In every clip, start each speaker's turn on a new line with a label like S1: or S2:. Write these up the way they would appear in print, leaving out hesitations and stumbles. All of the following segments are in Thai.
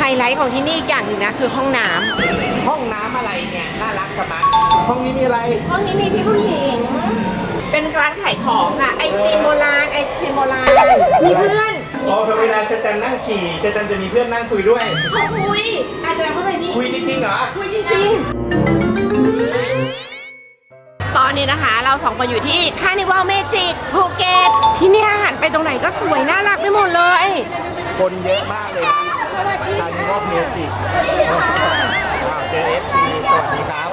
S1: ไลท์ของที่นี่อีกอย่างหนึ่งนะคือห้องน้ำ
S2: ห้องน้ำอะไรเนี่ยน่ารักสมัครห้องนี้มีอะไร
S1: ห้องนี้มีพี่ผู้หญิงเป็นร้านขายของค่ะไอติมโบราณไอศครีมโบราณมีเพื่อน
S2: อ๋อเวลาเชตันนั่งฉี่เชตันจะมีเพื่อนนั่งคุยด้วย
S1: เขาคุยอาจจะเข้าไปนี่
S2: คุยจริงๆเหรอ
S1: คุยจริงๆตอนนี้นะคะเราสองคนอยู่ที่คาร์นิวัลเมจิกภูเก็ตที่นี่หันไปตรงไหนก็สวยน่ารักไปหมดเลย
S2: คนเยอะมากเลยนะคาร์นิวัลเมจิกเจอ FC สวัสดีครับ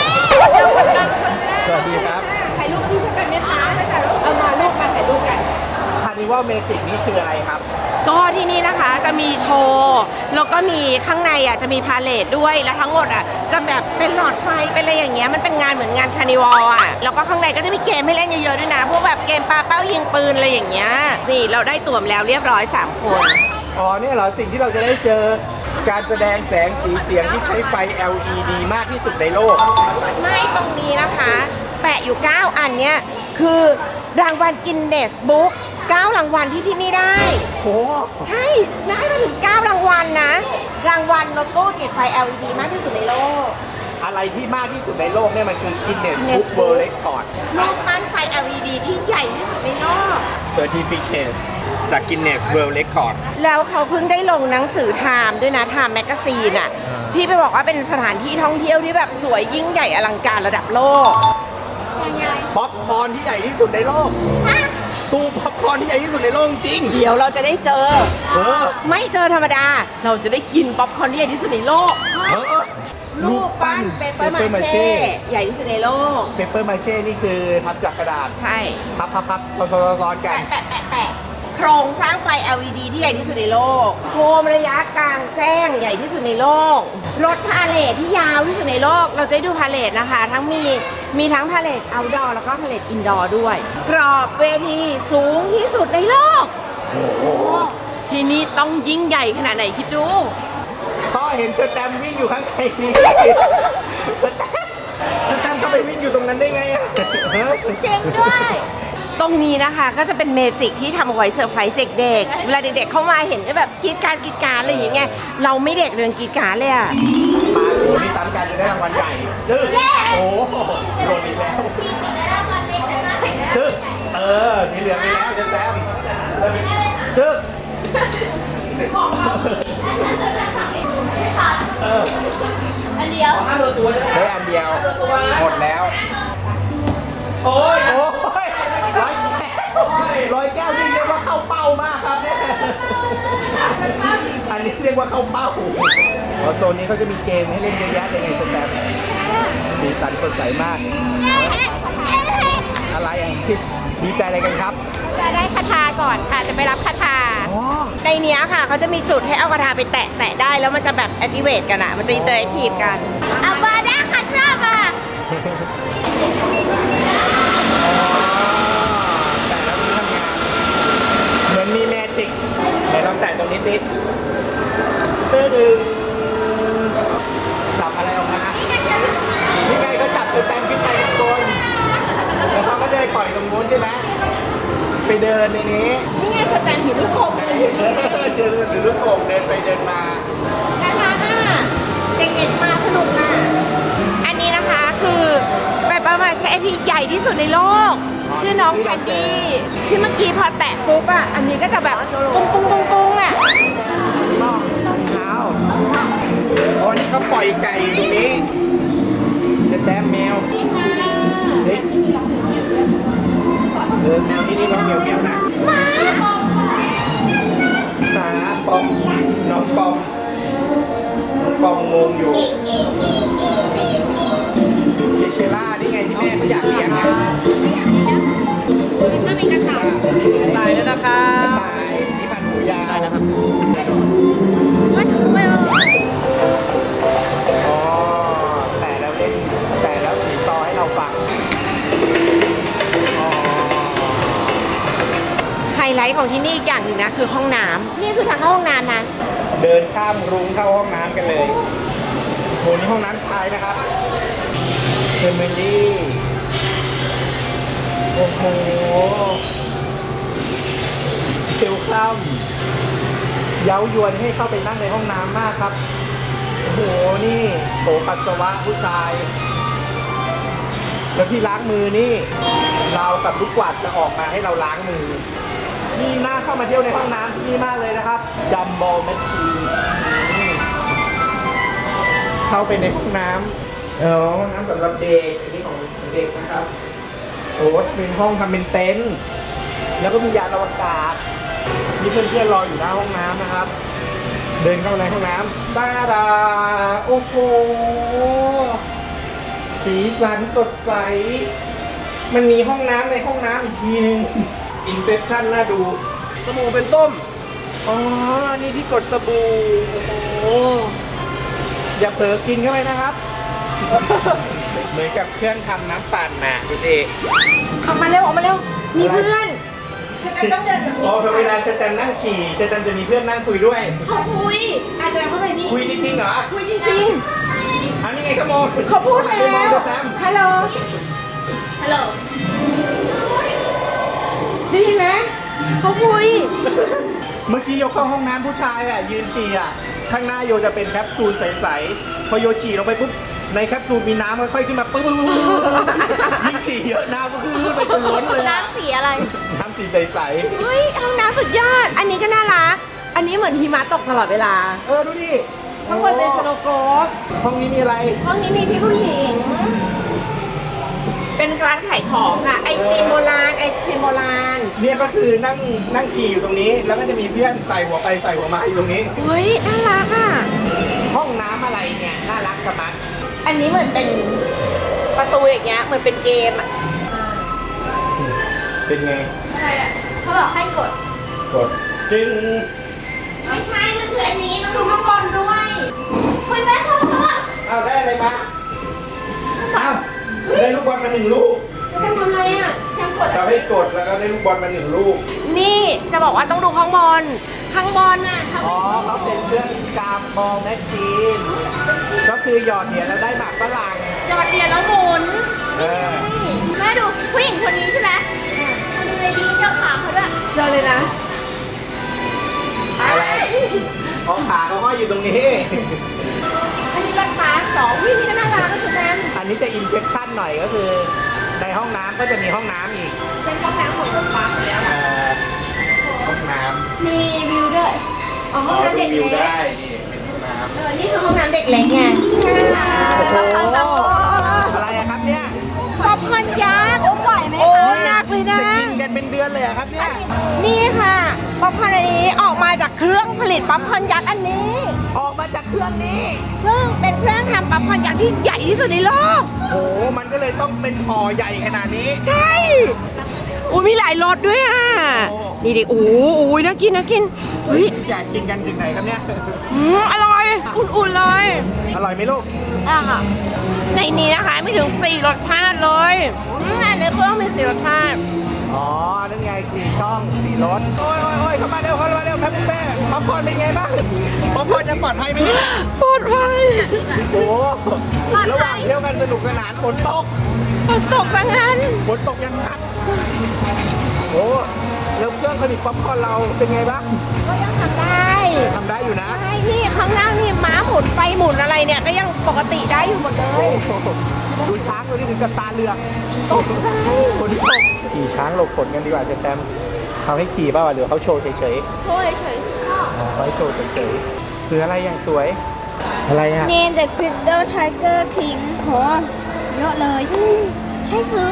S2: สวัสดีครับ
S1: ถ่ายรูปพี่สักกันไหมคะเอามารูปมาถ่ายรูปกัน
S2: คาร์นิวัลเมจิกนี่คืออะไรครับ
S1: ก็ที่นี่นะคะจะมีโชว์แล้วก็มีข้างในจะมีพาเลทด้วยแล้วทั้งหมดจะแบบเป็นหลอดไฟเป็นอะไรอย่างเงี้ยมันเป็นงานเหมือนงานคาร์นิวัลแล้วก็ข้างในก็จะมีเกมให้เล่นเยอะๆด้วยนะพวกแบบเกมปาเป้ายิงปืนอะไรอย่างเงี้ยนี่เราได้ตั๋วแล้วเรียบร้อย3คน
S2: อ๋อเนี่ยเหรอสิ่งที่เราจะได้เจอการแสดงแสงสีเสียงที่ใช้ไฟ LED มากที่สุดในโลก
S1: ไม่ตรงนี้นะคะแปะอยู่9อันเนี้ยคือรางวัลกินเนสบุ๊ก9รางวัลที่นี่ได้
S2: โอ้
S1: ใช่ได้มาถึง9รางวัลนะรางวัลรถตู้ติดไฟ LED มากที่สุดในโลก
S2: อะไรที่มากที่สุดในโลกเนี่ยมันคือ Guinness Book World Record
S1: รูปปั้นไฟ LED ที่ใหญ่ที่สุดในโลก
S2: Certificate จาก Guinness World Record
S1: แล้วเขาเพิ่งได้ลงหนังสือไทม์ด้วยนะไทม์แมกกาซีนที่ไปบอกว่าเป็นสถานที่ท่องเที่ยวที่แบบสวยยิ่งใหญ่อลังการระดับโลก
S2: ป๊อปคอร์นที่ใหญ่ที่สุดในโลกตู้ป๊อปคอร์นที่ใหญ่ที่สุดในโลกจริง
S1: เดี๋ยวเราจะได้เจอไม่เจอธรรมดาเราจะได้กินป๊อปคอร์นที่ใหญ่ที่สุดในโลกรูปปั้นเปเปอร์มาเช่ใหญ่ที่สุดในโลก
S2: เปเปอร์มาเช่นี่คือพับจากกระดาษ
S1: ใช่
S2: พับซ้อนกัน
S1: แปะโครงสร้างไฟ LED ที่ใหญ่ที่สุดในโลกโคมระยะกลางแจ้งใหญ่ที่สุดในโลกรถพาเลทที่ยาวที่สุดในโลกเราจะดูพาเลทนะคะทั้งมีทั้งพาเลทเอาท์ดอร์แล้วก็พาเลทอินดอร์ด้วยกรอบเวทีสูงที่สุดในโลกที่นี่ต้องยิ่งใหญ่ขนาดไหนคิดดู
S2: พ่อเห็นสแตมวิ่งอยู่ข้างในนี้สแตมเข้าไปวิ่งอยู่ตรงนั้นได้ไงอะ
S1: เจ๋งด้วยตรงนี้นะคะก็จะเป็นเมจิกที่ทำเอาไว้เซอร์ไพรส์เด็กๆเวลาเด็กๆเข้ามาเห็นก็แบบกรี๊ดการอะไรอย่างเงี้ยเราไม่เด็กเรื่องกรี๊ดการเลยอะ
S2: มาสูนี่ซ้ำกันจะได้รางวัลใหญ่จึ๊กโอ้โดนอีกแล้วจึ๊กสีเหลืองไปแล้วจะแต้มจึ๊ก
S1: อันเดียว
S2: ได้อันเดียวหมดแล้วโอ้ยร้อยแก้วนี่เรียกว่าเข้าเป้ามากครับเนี่ยอันนี้เรียกว่าเข้าเป้าโซนนี้เขาจะมีเกมให้เล่นเยอะแยะเลยไงสแตมสีสันสดใสมากอะไรดีใจอะไรกันครับ
S1: จะได้คาถาก่อนค่ะจะไปรับคาถาในนี้ค่ะเขาจะมีจุดให้เอาคาถาไปแตะได้แล้วมันจะแบบแอคทีเวตกันมันจะอินเตอร์แอคทีฟกันอาบาด้าคัตราบะ
S2: เหมือนมีแมจิกไหนลองแตะตรงนี้สิตื้อดึงจับอะไรออกมานี่ไงก็จับสแตมป์ขึ้นไปข้างบนแล้วเขาก็จะไปปล่อยตรงนู้นใช่ไหมไปเดินในนี้
S1: นี่ไงสแตมป์ถือลูกโป่ง
S2: เจอถือลูกโป่งเดินไปเดินมา
S1: น่ารักเด็กๆมาสนุกอันนี้นะคะคือแบบประมาณใช้ที่ใหญ่ที่สุดในโลกชื่อน้องแคนดี้ที่เมื่อกี้พอแตะปุ๊บอันนี้ก็จะแบบปุ้งปุ้งปุ้งปุ้ง
S2: เท้าวันนี้เขาปล่อยไก่ตรงนี้จะแต้มแมวเฮ้ยแมวที่นี่ร้องเมียวๆนะหาปอมน้องปอมงงอยู่เชล่านี่ไงที่แม่เขาอยากเลี้ยงมัน
S1: ก็มีกระต่าย
S2: แล้วนะครับกระต่ายนี่พันหูยาวนะครับอ๋อแต่แล้วสีซอให้เราฟัง
S1: ไฮไลท์ของที่นี่อีกอย่างหนึ่งนะคือห้องน้ำนี่คือทางเข้าห้องน้ำนะ
S2: เดินข้ามรุ้งเข้าห้องน้ำกันเลยโหนี่ห้องน้ำชายนะครับเฟมิลี่โอ้โหเซลคัมเย้ายวนให้เข้าไปนั่งในห้องน้ำมากครับ โอ้โห นี่โถปัสสาวะผู้ชาย แล้วที่ล้างมือนี่ เรากับลูกกวาดจะออกมาให้เราล้างมือ นี่น่าเข้ามาเที่ยวในห้องน้ำที่นี่มากเลยนะครับดัมบอลแมชชีนเข้าไปในห้องน้ำห้องน้ำสำหรับเด็กอันนี้ของเด็กนะครับ โอ้เป็นห้องทำเป็นเต็นท์แล้วก็มียานอวกาศมีเพื่อนๆรออยู่หน้าห้องน้ำนะครับ เดินเข้าในห้องน้ำตาดาโอ้โหสีสันสดใส มันมีห้องน้ำในห้องน้ำอีกทีนึงอินเซปชั่นน่าดูสบู่เป็นต้มอ๋อนี่ที่กดสบู่โอ้โหอย่าเผลอกินเข้าไปนะครับ เหมือนกับเครื่องทำน้ำปั่นน่ะดูดิ
S1: ออกมาเร็วออกมาเร็ว มีเพื่อนฉันจะต้องเดินกับ
S2: อ๋อเวลาเชตแตมนั่งฉี่เชตแตมจะมีเพื่อนนั่งคุยด้วย
S1: เขาคุยอาจารย์เข้าไปนี่
S2: คุยจริงๆเหรอ
S1: คุยจริง
S2: อันนี้ไงขโมย
S1: ๆเขาพูด
S2: ไป
S1: แล้
S2: มอง
S1: ว
S2: เชตแตม
S1: ฮัลโหล
S3: ฮัลโหล
S1: ได้ยินไหมเขาคุย
S2: เมื่อกี้โยเข้าห้องน้ำผู้ชายอ่ะยืนฉี่อ่ะข้างหน้าโยจะเป็นแคปซูลใสๆพอโยฉี่ลงไปปุ๊บในแคปซูลมีน้ำค่อยๆขึ้นมาปุ๊บยิ่งฉี่เยอะน้ำก็ขึ้นไปจนล้นเลยอะ
S3: น้ำสีอะไร
S2: น้ำสีใส
S1: เฮ้ยห้องน้ำสุดยอด อันนี้ก็น่ารัก อันนี้เหมือนหิมะตกตลอดเวลา
S2: ๆดูดิ
S1: ข้างบนเป็นสโนว์โกฟ
S2: ห้องนี้มีอะไร
S1: ห้องนี้มีพี่ผู้หญิง เป็นร้านขายของค่ะ ไอติมโบราณ ไอศครีมโบราณ
S2: เนี่ยก็คือนั่งฉี่อยู่ตรงนี้ แล้วก็จะมีเพื่อนใส่หัวไปใส่หัวมาอยู่ตรงนี้
S1: เฮ้ย น่ารักอ่ะ
S2: ห้องน้ำอะไรเนี่ยน่ารักชะมัด
S1: อันนี้เหมือนเป็นประตูอย่างเงี้ย เหมือนเป็นเกมอ่ะ
S2: เป็นไง
S3: อะไรอ่ะเขาบอกให้กด
S2: กดจึง
S1: ไม่ใช่ มันคืออันนี้ต้องดูข้างบนด้วย
S3: คุยแม่พ่อพ่อ
S2: เอาได้อะไรมาเอาได้ลูกบอลมา1 ลูก
S1: จะทำอะไรอ่ะ
S3: ยังกด
S2: เขาให้กดแล้วก็ได้ลูกบอลมา1 ลูก
S1: นี่จะบอกว่าต้องดูข้างบน ข้างบนน่ะข้าง
S2: อ๋อเขาเป็นเครื่องกามบอลแมชชีน ก็คือหยอดเหรียญแล้วได้หมากฝรั่ง
S1: หยอดเหรียญแล้วหมุน
S2: เออ
S3: แม่ดูผู้หญิงคนนี้ใช่ไหมมาดูเลยดีเจ้าขาเขาด้วย
S1: เจอเลยนะ
S2: อะไรอ๋อขาเขาห้อยอยู่ตรงนี้
S1: อันนี้รถบัสสองวิ่งนี่ก็น่ารักนะสุดแทน
S2: อันนี้จะอินเซ t ชั่นหน่อยก็คือ ในห้องน้ำก็จะมีห้องน้ำอีก
S1: เป็นห้องน้ำของรถบัสแล้ว
S2: ห้องน้
S3: มีวิวด้วย
S1: อ๋อ
S2: ำ
S1: ห้องน้ำเด็ก
S2: วิว
S1: เล็ก
S2: ได้นี่เป็นห้องน้ำ
S1: นี่คือห้องน้ำเด็กเล็กไง
S2: โอ้โหอะไรอะครับเนี่ย
S1: ป๊อปคอร์นยักษ์
S3: โอ้ปล่อยไหม
S1: โอ้
S3: คะ
S1: หนักเลยนะ
S2: จะกินกันเป็นเดือนเลยอะครับเนี่ย
S1: นี่ค่ะ ป๊อปคอร์นอันนี้ออกมาจากเครื่องผลิตป๊อปคอร์นยักษ์อันนี้
S2: ออกมาจากเครื่องนี้
S1: ซึ่งเป็นเครื่องทำป๊อปคอร์นยักษ์ที่ใหญ่ที่สุดในโลก
S2: โอ้โหมันก็เลยต้องเป็นห่อใหญ่ขนาดนี้
S1: ใช่อุ้ยมีหลายรสด้วยอ่ะ
S2: โอ้
S1: นี่ดิโอ้ยน่ากินน่ากินเฮ้ย
S2: อยากกินกันถึงไหนครับเนี่ย
S1: อร่อย อุ่นๆเลย
S2: อร่อยไหมลูก
S1: อ่ะค่ะในนี้นะคะไม่ถึง4รสชาติเลยในเครื่องมี4รสชาติ
S2: อ๋อ นั่นไง4 ช่อง 4 รส โอ้ยเข้ามาเร็วครับคุณแม่ป๊อปคอร์นเป็นไงบ้างป๊อปคอร์นยังปลอดภัยไหมเนี่ย
S1: ปลอดภัย
S2: โอ้ระหว่างเที่ยวกันสนุกสนานฝนตก
S1: ฝนตกซะงั้น
S2: ฝนตกยังหนักโอ้แล้วเครื่องผลิตป๊อปคอร์นเราเป็นไงบ้าง
S1: ก็ยังทำได้
S2: ทำได้อยู่นะ
S1: ใช่นี่ข้างหน้านี่ม้าหมุนไปหมุนอะไรเนี่ยก็ยังปกติได้อยู่หมดเลย
S2: โอ้โหดูช้างตัวนี้ถึงกับตาเหลือก
S1: ตกใจ
S2: ฝนตกขี่ช้างหลบฝนกันดีกว่าเจแตมเขาให้ขี่ป่าวะหรือเขาโชว์เฉย
S3: โชว์เฉยๆพ่อ
S2: ๆอ๋อเขาให้โชว์เฉยๆเสืออะไรอย่างสวย อะไรอ่ะ
S3: เนนเดอะคริสตัลไทเกอร์คิงโหเยอะเลย ให้ซื้อ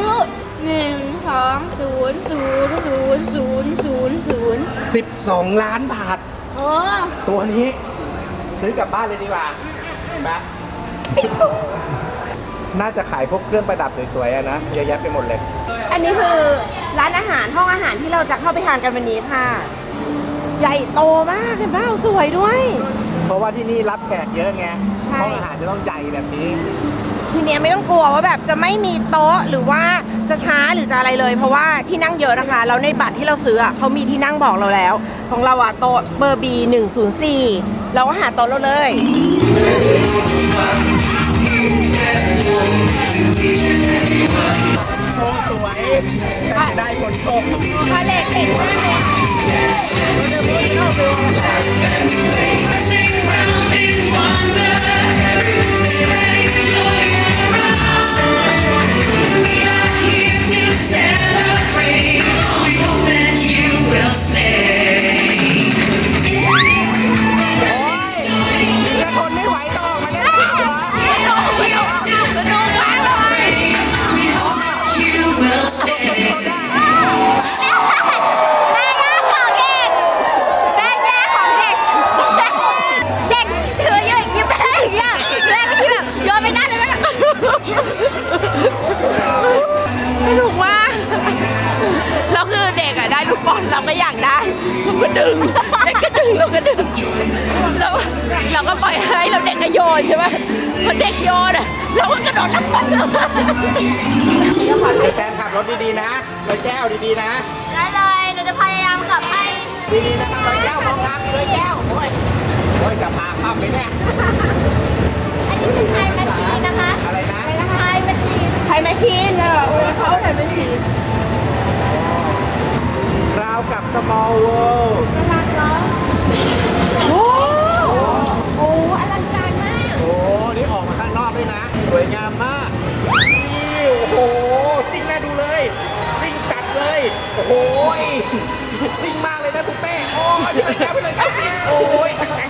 S3: 120000000
S2: 12 ล้านบาท
S3: โอ้
S2: ตัวนี้ ซื้อกลับบ้านเลยดีกว่าปะน่าจะขายพวกเครื่องประดับสวยๆอะนะเยอะแยะไปหมดเลย
S1: อันนี้คือร้านอาหารห้องอาหารที่เราจะเข้าไปทานกันวันนี้ค่ะ ใหญ่โตมากเห็นเปล่าสวยด้วย
S2: เพราะว่าที่นี่รับแขกเยอะไง
S1: ใช่
S2: ห้องอาหารจะต้องใหญ่แบบนี้
S1: ทีเนี้ยไม่ต้องกลัวว่าแบบจะไม่มีโต๊ะหรือว่าจะช้าหรือจะอะไรเลย เพราะว่าที่นั่งเยอะนะคะแล้วในบัตรที่เราซื้ออะเขามีที่นั่งบอกเราแล้ว ของเราอะโต๊ะเบอร์ B104 เราก็หาโต๊ะเราเลย
S2: อโค้งสวยแต่จะได้ฝนตก
S1: พาเลทเก่งมากเลย
S4: Sing round in wonder, spreading joy around. We are here to celebrate. We hope that you will stay.
S2: จะทนไม่ไหวต่อมาเนี่ย
S4: We are here to celebrate. We hope that you will stay.
S3: แม่ย่าของเด็กเด็กถืออยู่ยิ้มให้อย่างเงี้ยแม่ที่แบบโยนไปหน้าเลยแบบ
S1: สนุกมากแล้วคือเด็กอะได้ลูกบอลเราก็อยากได้เราก็ดึงเด็กก็ดึงเราก็ดึงเราก็ปล่อยให้เราเด็กก็โยนใช่ไหมพอเด็กโยนอะเราก็กระโดดรับบอล
S2: แฟนขับรถดีๆนะเลยแก้วดีๆนะ
S3: ได้เลยหนูจะพยายามขับให้
S2: ดีๆนะครับเลยแก้วมองทางเลยแก้วโอ้ยจะพาข้ามไปเนี่ย
S3: อันนี้เป็นไทยแมชชีนนะคะ
S2: อะไรนะ
S3: ไทยแมชชีน
S1: ไทยแมชชีนเขาไทยแมชชีน
S2: ราวกับ small world
S1: โอ้โหอลังการมาก
S2: โอ้นี่ออกมาข้างนอกด้วยนะ สวยงามมากนี่โอ้โหซิ่งน่าดูเลยซิ่งจัดเลยโอ้โหซิ่งมากเลยนะคุณเป้โอ้ยพี่เลยแก้วซิ่งโอ้ยแตก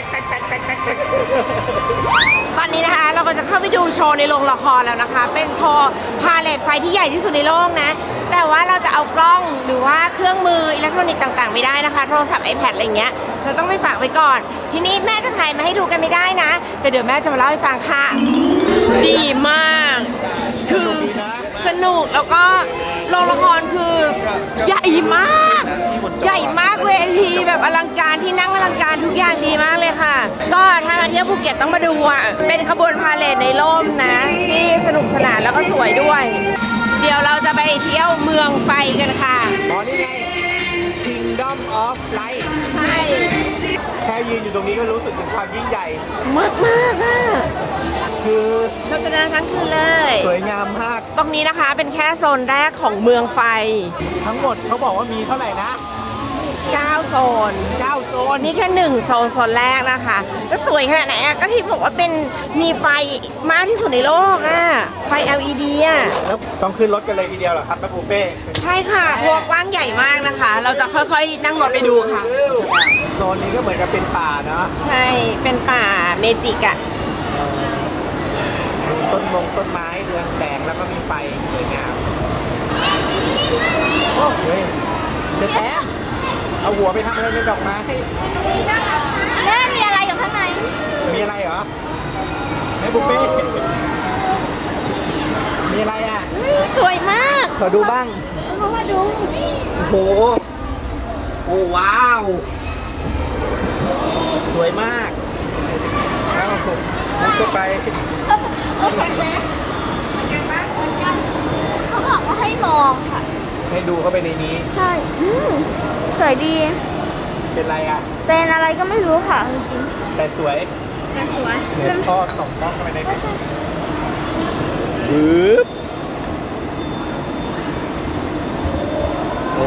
S1: ตอนนี้นะคะเราก็จะเข้าไปดูโชว์ในโรงละครแล้วนะคะ เป็นโชว์พาเลทไฟที่ใหญ่ที่สุดในโลกนะ แต่ว่าเราจะเอากล้องหรือว่าเครื่องมืออิเล็กทรอนิกส์ต่างๆไม่ได้นะคะ โทรศัพท์ iPad อะไรเงี้ยเราต้องไปฝากไว้ก่อน ทีนี้แม่จะถ่ายมาให้ดูกันไม่ได้นะ แต่เดี๋ยวแม่จะมาเล่าให้ฟังค่ะ ดีมาก คือสนุกแล้วก็โรงละครคือใหญ่มาก ใหญ่มากเวทีแบบอลังการที่นั่งอลังการทุกอย่างดีมากเลยค่ะ ก็ถ้ามาเที่ยวภูเก็ตต้องมาดูอ่ะเป็นขบวนพาเหรดในร่มนะ ที่สนุกสนานแล้วก็สวยด้วย เดี๋ยวเราจะไปเที่ยวเมืองไฟกันค่ะ
S2: อ๋อนี่ไง Kingdom of Light
S1: ใช่
S2: แค่ยืนอยู่ตรงนี้ก็รู้สึกถึงความยิ่งใหญ่
S1: มากมากอ่ะ
S2: คือ
S1: เราจะเดินทั้งคืนเลย
S2: สวยงามมาก
S1: ตรงนี้นะคะเป็นแค่โซนแรกของเมืองไฟ
S2: ทั้งหมดเขาบอกว่ามีเท่าไหร่นะ
S1: 9 โซน
S2: 9 โซน
S1: นี่แค่1โซนแรกนะคะก็สวยขนาดไหนอ่ะก็ที่บอกว่าเป็นมีไฟมากที่สุดในโลกอ่ะไฟ LED อ่ะ
S2: แล้วต้องขึ้นรถกันเลยทีเดียวเหรอครับแม่ปูเป้
S1: ใช่ค่ะเพราะวกกว้างใหญ่มากนะคะ เราจะค่อยๆนั่งรถไปดูค่ะ
S2: โซนนี้ก็เหมือนกับเป็นป่าเนาะ
S1: ใช่เป็นป่าเมจิกอ่ะ
S2: ต้นไม้เรืองแสงแล้วก็มีไฟสวยงามโอ้เฮ้ยเจะแป๊บเอาหัวไปทำอะไรในดอกไม้
S3: แม่มีอะไรอยู่ข้างใน
S2: มีอะไรเหรอแม่ปูเป้มีอะไรอ่ะ
S1: สวยมาก
S2: ขอดูบ้าง
S1: เพราะว่าดู
S2: โอ้โห โอ้ว้าว สวยมากแล้วมันก็ไป
S1: เอากันไหมกันปะ
S3: เขาบอกว่าให้มองค่ะ
S2: ให้ดูเข้าไปในนี้
S3: ใช่สวยดี
S2: เป็นไรอ่ะ
S3: เป็นอะไรก็ไม่รู้ค่ะจริง
S2: แต่สวย
S3: ๆแต่สวย
S2: เนี่ยพ่อส่องกล้องเข้าไปในนี้ปึ๊บโอ้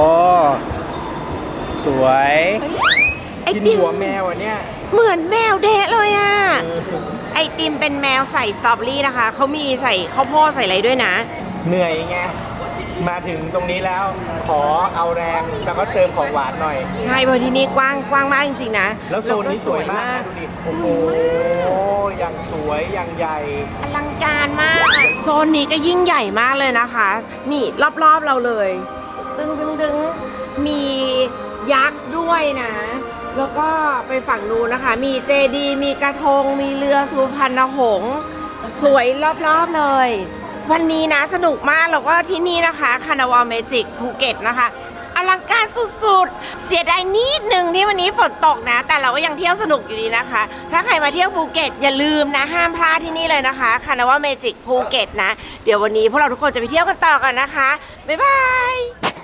S2: สวย
S1: ไอ
S2: กิน
S1: ติม
S2: หัวแมวอ่ะเนี่ย
S1: เหมือนแมวเดะเลยอ่ะ ไอติมเป็นแมวใส่สตรอเบอรี่นะคะเขามีใส่ข้าวโพดใส่อะไรด้วยนะ
S2: เหนื่อยไง มาถึงตรงนี้แล้ว ขอเอาแรงแล้วก็เติมของหวานหน่อย
S1: ใช่เพราะที่นี่กว้างมากจริงๆนะ
S2: แล้วโซนนี้สวยมากนะดูดิ โอ้โหอย่างสวยอย่างใหญ่
S1: อลังการมากอะโซนนี้ก็ยิ่งใหญ่มากเลยนะคะ นี่รอบๆเราเลย ดึงมียักษ์ด้วยนะ แล้วก็ไปฝั่งนู้นนะคะ มีเจดีย์มีกระทง มีเรือสุพรรณหงส์สวยรอบๆเลย วันนี้นะสนุกมากแล้วก็ที่นี่นะคะคานาวาลเมจิกภูเก็ตนะคะอลังการสุดๆ เสียดายนิดนึงที่วันนี้ฝนตกนะ แต่เราก็ยังเที่ยวสนุกอยู่ดีนะคะ ถ้าใครมาเที่ยวภูเก็ตอย่าลืมนะห้ามพลาดที่นี่เลยนะคะคานาวาลเมจิกภูเก็ตนะ เดี๋ยววันนี้พวกเราทุกคนจะไปเที่ยวกันต่อกันนะคะบ๊ายบาย